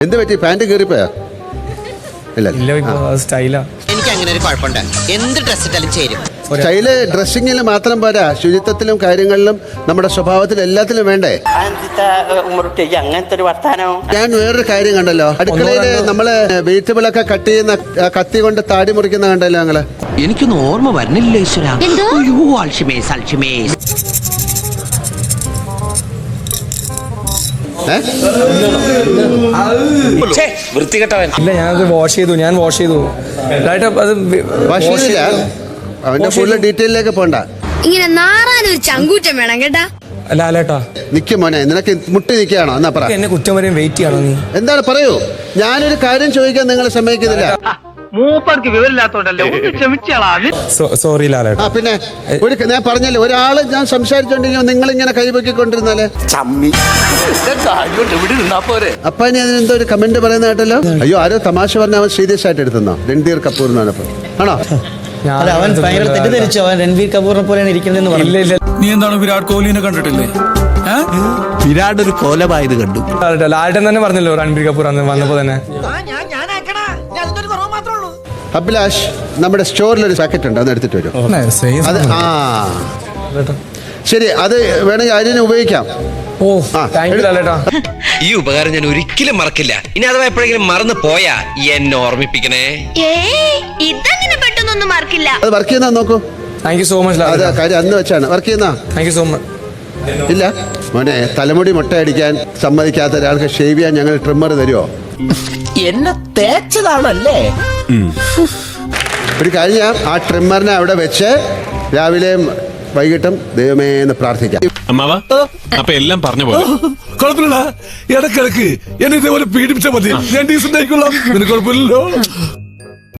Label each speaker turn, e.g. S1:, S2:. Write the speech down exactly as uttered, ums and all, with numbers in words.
S1: എന്ത് പറ്റി? പാന്റ് കീറിപ്പോയാ? ഇല്ല
S2: സ്റ്റൈലാ.
S3: എനിക്ക് അങ്ങനെ ഒരു കുഴപ്പമുണ്ട്, എന്ത് ഡ്രസ് ഇട്ടാലും ചേരും.
S1: സ്റ്റൈല് ഡ്രസ്സിങ്ങിൽ മാത്രം പോരാ, ശുചിത്വത്തിലും കാര്യങ്ങളിലും നമ്മുടെ സ്വഭാവത്തിലും എല്ലാത്തിലും വേണ്ടേ?
S4: അങ്ങനത്തെ ഒരു വർത്താനം.
S1: ഞാൻ വേറൊരു കാര്യം കണ്ടല്ലോ, അടുക്കളയില് നമ്മള് വെജിറ്റബിൾ ഒക്കെ കട്ട് ചെയ്യുന്ന ആ കത്തി കൊണ്ട് താടി മുറിക്കുന്ന കണ്ടല്ലോ ഞങ്ങള്.
S3: എനിക്കൊന്നും ഓർമ്മ വരുന്നില്ല ഈശ്വര. അയ്യോ, അൽഷിമേസ് അൽഷിമേസ്.
S2: വൃത്തികെട്ടവൻ. ഇല്ല, ഞാനത് വാഷ് ചെയ്തു. ഞാൻ വാഷ് ചെയ്തു. അത്
S1: വാഷ് ചെയ്തില്ല. അവന്റെ ഫുള്ള് ഡീറ്റെയിലേക്ക് പോണ്ട.
S5: ഇങ്ങനെ നാറാനൊരു ചങ്കൂറ്റം വേണം കേട്ടാ.
S2: ലാലേട്ടാ,
S1: നിക്ക് മോനെ, നിനക്ക് മുട്ടി നിൽക്കുകയാണോ? എന്നാ പറ.
S2: എന്നെ കുറ്റം വരെയും വെയിറ്റ് ചെയ്യണോ നീ?
S1: എന്താണ് പറയൂ. ഞാനൊരു കാര്യം ചോദിക്കാൻ നിങ്ങൾ സമ്മതിക്കുന്നില്ല.
S4: മൂപ്പർക്ക് വിവരമില്ലാത്തോണ്ടല്ലേ,
S2: സോറി ലാലേട്ടാ.
S1: ആ പിന്നെ ഒരു ഞാൻ പറഞ്ഞല്ലേ, ഒരാള് ഞാൻ സംസാരിച്ചോണ്ടെങ്കിൽ നിങ്ങൾ ഇങ്ങനെ കൈപൊക്കിക്കൊണ്ടിരുന്നാലേ. അപ്പൊ ഇനി അതിനെന്തോ ഒരു കമന്റ് പറയുന്ന കേട്ടല്ലോ. അയ്യോ, ആരോ തമാശ പറഞ്ഞ അവൻ സീരിയസ് ആയിട്ട് എടുത്തുന്നോ? രൺധീർ കപൂർ എന്നാണ്. ആണോ?
S6: അവൻ ഭയങ്കര തെറ്റിദ്ധരിച്ചു. അവൻ രൺവീർ കപൂറിനെ പോലെയാണ് ഇരിക്കുന്നതെന്ന് പറഞ്ഞു.
S2: ഇല്ല ഇല്ല,
S7: നീ എന്താണ് വിരാട് കോഹ്ലിനെ കണ്ടിട്ടില്ലേ?
S8: വിരാട് ഒരു കോലമായത് കണ്ടു.
S2: ലാലേട്ടൻ തന്നെ പറഞ്ഞല്ലോ രൺബീർ കപൂർ അന്ന് വന്നപ്പോ തന്നെ.
S1: അഭിലാഷ്, നമ്മുടെ സ്റ്റോറിൽ ഒരു ജാക്കറ്റ് ഉണ്ട്, അത് എടുത്തിട്ട് വരും. അത് ആ ശരി, അത് വേണമെങ്കിൽ അതിനെ ഉപയോഗിക്കാം.
S2: ഓ, താങ്ക് യു ലാലേട്ടാ.
S9: ഈ ഉപകാരം ഞാൻ ഒരിക്കലും മറക്കില്ല. ഇനി അഥവാ എപ്പോഴെങ്കിലും മറന്നു പോയാ എന്നെ ഓർമ്മിപ്പിക്കണേ.
S5: ഇതങ്ങനെ പെട്ടെന്നൊന്നും മറക്കില്ല.
S1: അത് വർക്ക് ചെയ്യുന്ന നോക്കൂ.
S2: താങ്ക് യു സോ മച്ച്
S1: അത്
S2: ലാലേട്ടാ.
S1: കാര്യം അന്ന് വെച്ചാണ് വർക്ക് ചെയ്യുന്ന.
S2: Thank you so much.
S1: ഇല്ല മോനെ, തലമുടി മുട്ടയടിക്കാൻ സമ്മതിക്കാത്ത ഒരാൾക്ക് ഷേവ് ചെയ്യാൻ ഞങ്ങൾ ട്രിമ്മർ തരുമോ?
S4: എന്നെ തേച്ചതാണല്ലേ.
S1: ഒരു കാര്യം ചെയ്യാം, ആ ട്രിമ്മറിനെ അവിടെ വെച്ച് രാവിലെയും വൈകിട്ടും ദൈവമേ എന്ന് പ്രാർത്ഥിക്കാം.
S7: അമ്മാവ, അപ്പൊ എല്ലാം പറഞ്ഞ പോലെ കുഴപ്പമില്ല. ഇടക്കിടക്ക് എന്നെ ഇതേപോലെ പീഡിപ്പിച്ചാൽ മതി, ഞാൻ ഡീസന്റ് ആയിക്കൊള്ളാം. നിനക്ക് കുഴപ്പമില്ലല്ലോ.